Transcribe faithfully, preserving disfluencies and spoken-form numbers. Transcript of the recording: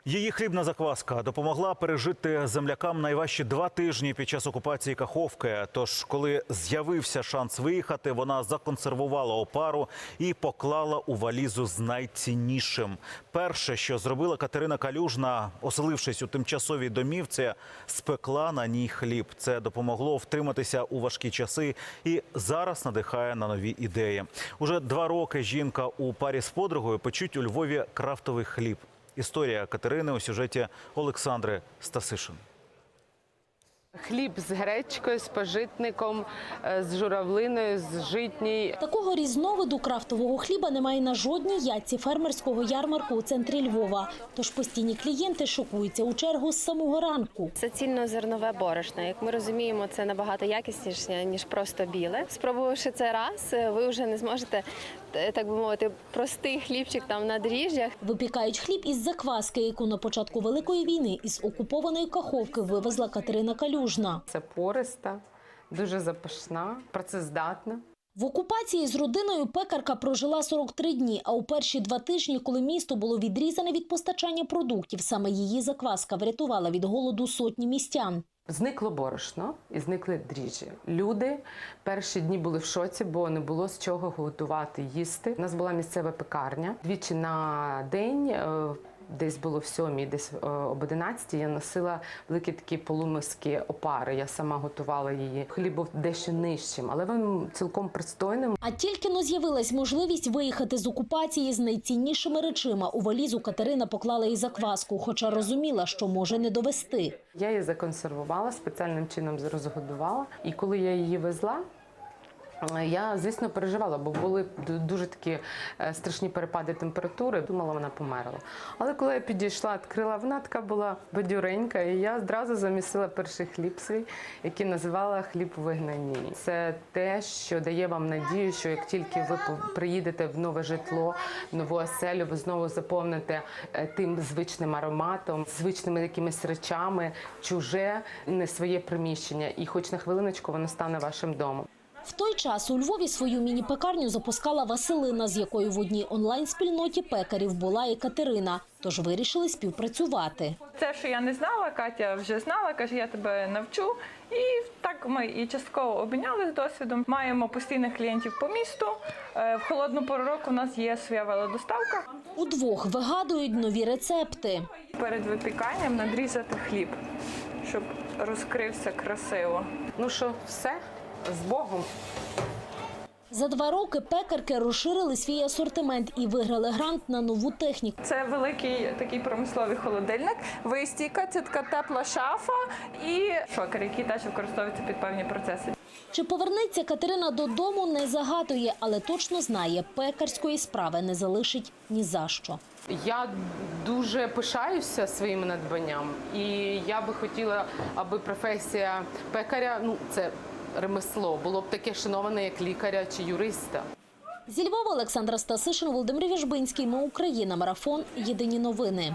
Її хлібна закваска допомогла пережити землякам найважчі два тижні під час окупації Каховки. Тож, коли з'явився шанс виїхати, вона законсервувала опару і поклала у валізу з найціннішим. Перше, що зробила Катерина Калюжна, оселившись у тимчасовій домівці, спекла на ній хліб. Це допомогло втриматися у важкі часи і зараз надихає на нові ідеї. Уже два роки жінка у парі з подругою печуть у Львові крафтовий хліб. Історія Катерини у сюжеті Олександри Стасишин. Хліб з гречкою, з пожитником, з журавлиною, з житній. Такого різновиду крафтового хліба немає на жодній ядці фермерського ярмарку у центрі Львова. Тож постійні клієнти шокуються у чергу з самого ранку. Це цільнозернове борошно. Як ми розуміємо, це набагато якісніше, ніж просто біле. Спробувавши це раз, ви вже не зможете, так би мовити, простий хлібчик там на дріжджах. Випікають хліб із закваски, яку на початку Великої війни із окупованої Каховки вивезла Катерина Калюжна. Це пориста, дуже запашна, працездатна. В окупації з родиною пекарка прожила сорок три дні, а у перші два тижні, коли місто було відрізане від постачання продуктів, саме її закваска врятувала від голоду сотні містян. Зникло борошно і зникли дріжджі. Люди перші дні були в шоці, бо не було з чого готувати, їсти. У нас була місцева пекарня. Двічі на день, десь було в сьомій, десь об одинадцятій, я носила великі такі полумиски опари. Я сама готувала її. Хліб був дещо нижчим, але він цілком пристойним. А тільки-но з'явилась можливість виїхати з окупації з найціннішими речима. У валізу Катерина поклала і закваску, хоча розуміла, що може не довести. Я її законсервувала, спеціальним чином розгодувала. І коли я її везла, я, звісно, переживала, бо були дуже такі страшні перепади температури. Думала, вона померла. Але коли я підійшла, відкрила, вона така була бадюренька, і я одразу замісила перший хліб свій, який називала хліб у вигнанні. Це те, що дає вам надію, що як тільки ви приїдете в нове житло, в нову оселю, ви знову заповните тим звичним ароматом, звичними якимись речами, чуже, не своє приміщення. І хоч на хвилиночку воно стане вашим домом. В той час у Львові свою міні-пекарню запускала Василина, з якою в одній онлайн-спільноті пекарів була і Катерина. Тож вирішили співпрацювати. Це, що я не знала, Катя вже знала, каже, я тебе навчу. І так ми і частково обмінялися досвідом. Маємо постійних клієнтів по місту. В холодну пору року у нас є своя велодоставка. Удвох вигадують нові рецепти. Перед випіканням надрізати хліб, щоб розкрився красиво. Ну що, все? З Богом. За два роки пекарки розширили свій асортимент і виграли грант на нову техніку. Це великий такий промисловий холодильник, вистійка, це така тепла шафа і шокер, який теж використовується під певні процеси. Чи повернеться Катерина додому, не загадує, але точно знає, пекарської справи не залишить ні за що. Я дуже пишаюся своїм надбанням, і я би хотіла, аби професія пекаря, ну це ремесло, було б таке шановане, як лікаря чи юриста. Зі Львова Олександра Стасишин, Володимир Віжбинський. Ми Україна. Марафон. Єдині новини.